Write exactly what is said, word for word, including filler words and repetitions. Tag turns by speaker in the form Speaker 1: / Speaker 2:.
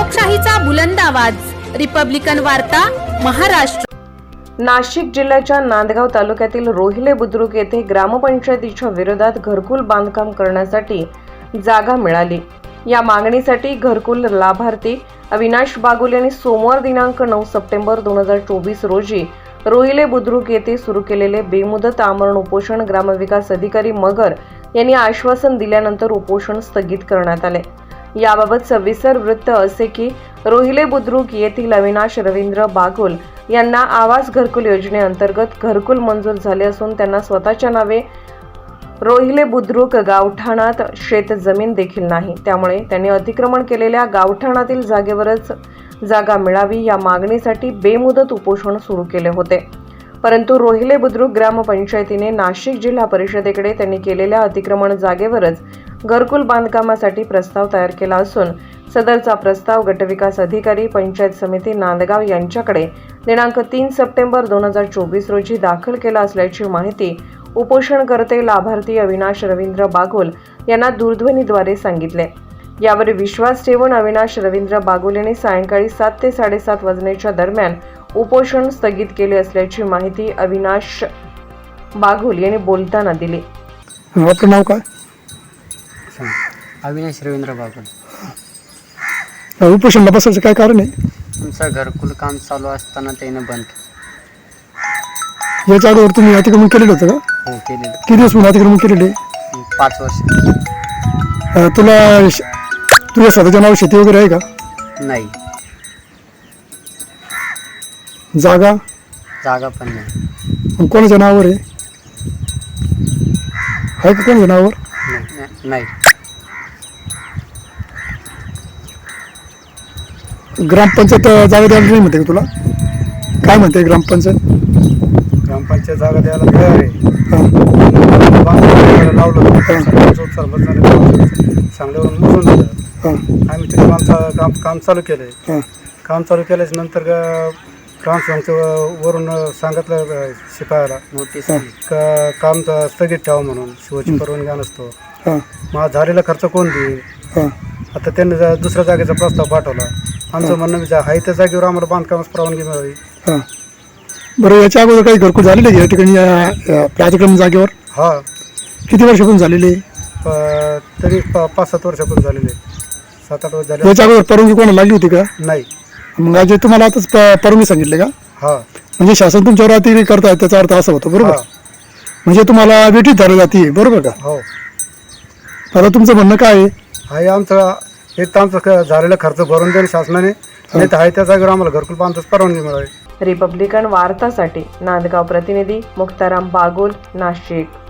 Speaker 1: लोकशाहीचा बुलंद आवाज, रिपब्लिकन वार्ता, महाराष्ट्र।
Speaker 2: नाशिक जिल्ह्याच्या नांदगाव तालुक्यातील रोहिले बुद्रुक येथे ग्रामपंचायतीच्या विरोधात घरकुल बांधकाम करण्यासाठी जागा मिळाली। या मागणीसाठी घरकुल लाभार्थी अविनाश बागुल यांनी सोमवार दिनांक नऊ सप्टेंबर दोन हजार चोवीस रोजी रोहिले बुद्रुक येथे सुरू केलेले बेमुदत आमरण उपोषण ग्रामविकास अधिकारी मगर यांनी आश्वासन दिल्यानंतर उपोषण स्थगित करण्यात आले। याबाबत सविस्तर वृत्त असे की रोहिले बुद्रुक येथील अविनाश रवींद्र बागुल यांना आवास घरकुल योजनेअंतर्गत घरकुल मंजूर झाले असून त्यांना स्वतःच्या नावे रोहिले बुद्रुक गावठाणात शेत जमीन देखील नाही। त्यामुळे त्यांनी अतिक्रमण केलेल्या गावठाणातील जागेवरच जागा मिळावी या मागणीसाठी बेमुदत उपोषण सुरू केले होते। परंतु रोहिले बुद्रुक ग्रामपंचायतीने नाशिक जिल्हा परिषदेकडे त्यांनी केलेल्या अतिक्रमण जागेवरच घरकुल बांधकामासाठी प्रस्ताव तयार केला असून सदरचा प्रस्ताव गटविकास अधिकारी पंचायत समिती नांदगाव यांच्याकडे दिनांक तीन सप्टेंबर दोन हजार चोवीस रोजी दाखल केला असल्याची माहिती उपोषणकर्ते लाभार्थी अविनाश रवींद्र बागुल यांना दूरध्वनीद्वारे सांगितले। यावर विश्वास ठेवून अविनाश रवींद्र बागुल यांनी सायंकाळी सात ते साडेसात वाजण्याच्या दरम्यान उपोषण स्थगित केले असल्याची माहिती अविनाश बागुल यांनी बोलताना दिली।
Speaker 3: आपलं नाव काय?
Speaker 4: अविनाश रवींद्र बागुल।
Speaker 3: उपोषणला बसायचं काय कारण आहे?
Speaker 4: तुमचं घरकुल काम चालू असताना त्याने बंद केलं।
Speaker 3: याच्या अगोदर तुम्ही अतिक्रमण केलेलं होतं का?
Speaker 4: हो केलेलं।
Speaker 3: किती दिवस म्हणून अतिक्रमण केलेले?
Speaker 4: पाच वर्ष।
Speaker 3: अं, तुला श- तुझ्या स्वतःच्या नाव शेती वगैरे आहे का?
Speaker 4: नाही,
Speaker 3: जागा
Speaker 4: जागा पण नाही।
Speaker 3: मग कोणाच्या नावावर आहे? आहे का कोणाच्या नावावर?
Speaker 4: नाही- नाही
Speaker 3: ग्रामपंचायत अं, जागा द्यायला नाही म्हणते का तुला? काय म्हणते ग्रामपंचायत?
Speaker 5: ग्रामपंचायत जागा द्यायला तयार आहे।
Speaker 3: हां
Speaker 5: बांधकाम लावलं सांगल्यावरून मोजून दिलं।
Speaker 3: हां
Speaker 5: आम्ही तिथे काम चा- काम काम चालू केलंय।
Speaker 3: हां
Speaker 5: काम चालू केल्याच्या नंतर ग्रामसेवकचं वरून सांगितलं अं, शिपायाला
Speaker 4: नोटीस
Speaker 5: का काम त- स्थगित ठेवा म्हणून शिवाची परवानगी नसतो।
Speaker 3: हां
Speaker 5: मग झालेला खर्च कोण देईल?
Speaker 3: हां
Speaker 5: आता त्यांनी जा- दुसऱ्या जागेचा प्रस्ताव पाठवला। आमचं म्हणणं विचार आहे त्या जागेवर आम्हाला बांधकामास परवानगी मिळावी।
Speaker 3: हां बरं, याच्या अगोदर काही घरकुल झालेले आहे या ठिकाणी या या अतिक्रमण जागेवर?
Speaker 5: हा
Speaker 3: किती वर्षापासून झालेले?
Speaker 5: प- तरी प- पाच सात वर्षापूर्वी झालेले, सात आठ वर्ष झाले
Speaker 3: याच्या अगोदर परवानगी कोणाला लागली होती का?
Speaker 5: नाही।
Speaker 3: मग आज तुम्हाला आताच प- परवानगी सांगितले का?
Speaker 5: हा
Speaker 3: म्हणजे शासन तुमच्यावर अतिक्रमण करताय त्याचा अर्थ असा होतो, बरोबर?
Speaker 5: हा.
Speaker 3: म्हणजे तुम्हाला वेटीत धरली जाते, बरोबर का?
Speaker 5: हो
Speaker 3: आता तुमचं म्हणणं काय आहे?
Speaker 5: आहे आमचं एक तर आमचं ख- झालेला खर्च भरून देणे शासनाने, नाही तर आहे त्या जागेवर आम्हाला घरकुल बांधताच परवानगी मिळावी।
Speaker 2: रिपब्लिकन वार्तासाठी नांदगाव प्रतिनिधी मुक्ताराम बागुल, नाशिक।